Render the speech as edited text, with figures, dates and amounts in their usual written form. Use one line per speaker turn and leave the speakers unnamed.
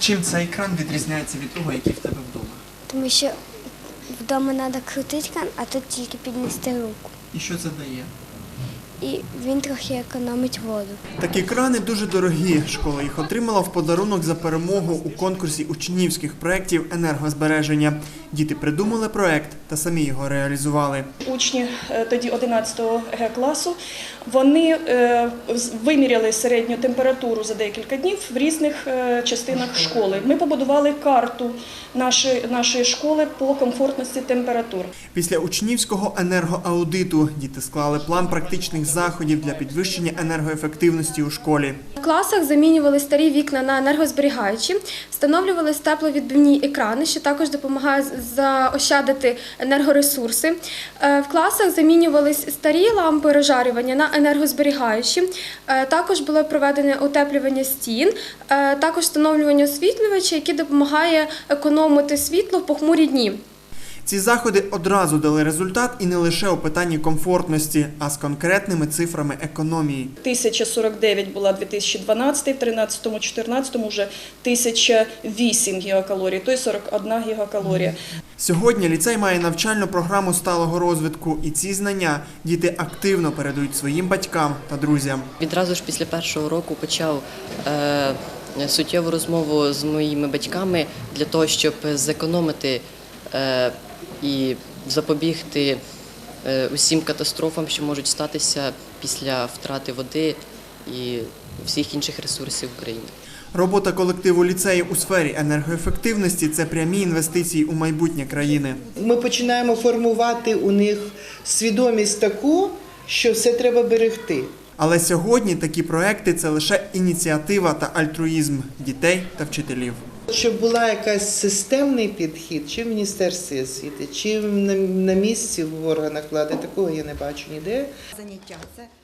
Чим цей кран відрізняється від того, який в тебе вдома?
Тому що вдома треба крутити кран, а тут тільки піднести руку.
І що це дає?
І він трохи економить воду.
Такі крани дуже дорогі. Школа їх отримала в подарунок за перемогу у конкурсі учнівських проєктів енергозбереження. Діти придумали проєкт та самі його реалізували.
Учні тоді 11 Г-класу, вони виміряли середню температуру за декілька днів в різних частинах школи. Ми побудували карту нашої школи по комфортності температур.
Після учнівського енергоаудиту діти склали план практичних заходів для підвищення енергоефективності у школі.
В класах замінювали старі вікна на енергозберігаючі, встановлювалися тепловідбивні екрани, що також допомагає заощадити енергоресурси. В класах замінювалися старі лампи розжарювання на енергозберігаючі. Також було проведене утеплювання стін, також встановлювання освітлювача, який допомагає економити світло в похмурі дні.
Ці заходи одразу дали результат і не лише у питанні комфортності, а з конкретними цифрами економії.
1049 була 2012, в 13-14 вже 1008 гігакалорій, тобто 41 гігакалорія.
Сьогодні ліцей має навчальну програму сталого розвитку, і ці знання діти активно передають своїм батькам та друзям.
Відразу ж після першого року почав суттєву розмову з моїми батьками для того, щоб зекономити і запобігти усім катастрофам, що можуть статися після втрати води і всіх інших ресурсів України.
Робота колективу ліцею у сфері енергоефективності – це прямі інвестиції у майбутнє країни.
Ми починаємо формувати у них свідомість таку, що все треба берегти.
Але сьогодні такі проекти – це лише ініціатива та альтруїзм дітей та вчителів.
Щоб була якась системний підхід, чи в Міністерстві освіти, чи на місці в органах влади, такого я не бачу ніде.
Заняття – це